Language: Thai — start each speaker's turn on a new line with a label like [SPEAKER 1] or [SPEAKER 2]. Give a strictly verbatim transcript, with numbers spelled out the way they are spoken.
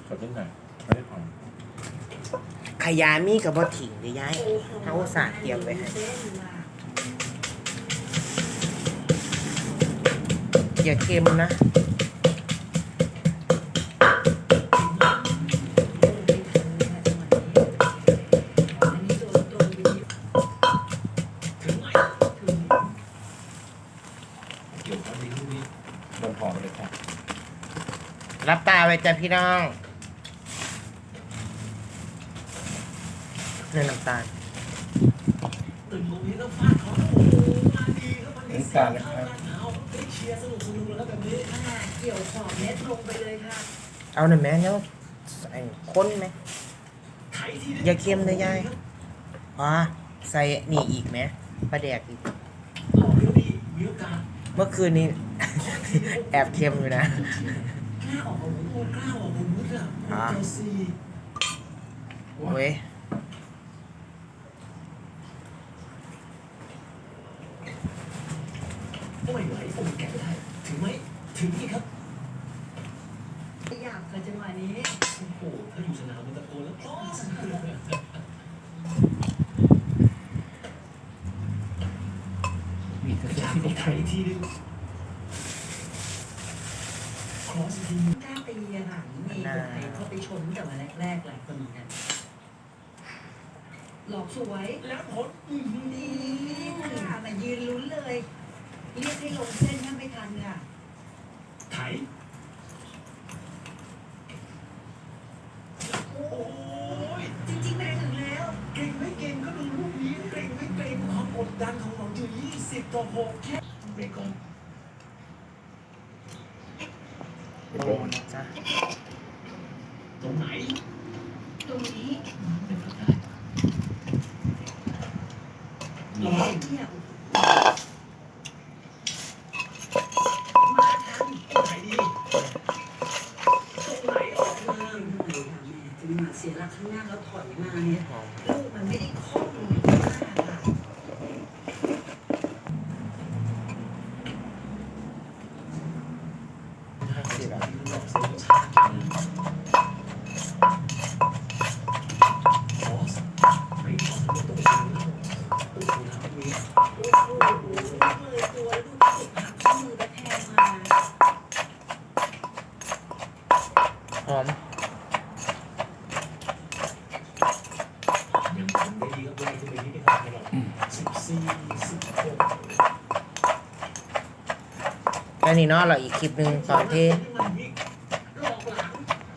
[SPEAKER 1] ขอนิดหน่อยไม่ได้ของ
[SPEAKER 2] ขยามีกับบ่ถิ่งเลยย้ายเขาอุตส่าห์เตรียมไว้ให้อย่าเค็มนะรับตาไว้จ้ะพี่น้องเนื้อน้ำตาล
[SPEAKER 1] น้ำตาลนะครับ
[SPEAKER 3] เกี่ยวขอบเม็ดลงไปเลยค่ะ
[SPEAKER 2] เอาหน่อยแม่เนี่ยใส่ข้นไหมอย่าเค็มเลยยายอ๋อใส่นี่อีกไหมปลาแดกอีกเมื่อคืนนี้ แอบเค็มอยู่นะอ๋อเว้ย
[SPEAKER 4] ไม่ไหวผมแกะได้ถึงไหมถึงนี่ครับ
[SPEAKER 3] อยากกับจังหวะนี้
[SPEAKER 4] โอ้โหถ้าอยู่สนามมันตะโกนแล้วคลอสมีกระชากที่ไทยทีนึงคลอสที
[SPEAKER 3] กล้าตีอะค่ะมีคนไหนเขาไปชนแต่วันแรกๆหลายคนเหมือนกันหลอกสวย
[SPEAKER 4] แล้วผล
[SPEAKER 3] ดีค่ะมายืนลุ้นเลยเรียกให้ลงเส้นถ้าไม่ทันค่ะ
[SPEAKER 4] ไถโอ้ย
[SPEAKER 3] จริงๆไม่ถึงแล้ว
[SPEAKER 4] เก่งไม่เก่งก็ดูลูกนี้เก่งไม่เก่งความกดดันของเราอยู่ยี่สิบต่อหกแค่เบรกก่อน
[SPEAKER 2] โดนจ้ะ
[SPEAKER 4] ตรงไหน
[SPEAKER 3] ตรงนี้
[SPEAKER 4] เป็นไปได้
[SPEAKER 3] เนี่ย
[SPEAKER 4] มาทันตรงไหนดีตรงไหนออกมา
[SPEAKER 3] จังหวะเสียหลักข้างหน้าแล้วถอยมาเนี่ยลูกมันไม่ได้คล่องมากค่ะ
[SPEAKER 2] สิบอ่ะหอม
[SPEAKER 4] ยังทำได้ดีครับไล่ขึ้นไปนิดนึงครับสิบสี่สิบหก
[SPEAKER 2] แค่นี้เนาะเราอีกคลิปหนึ่งตอนที่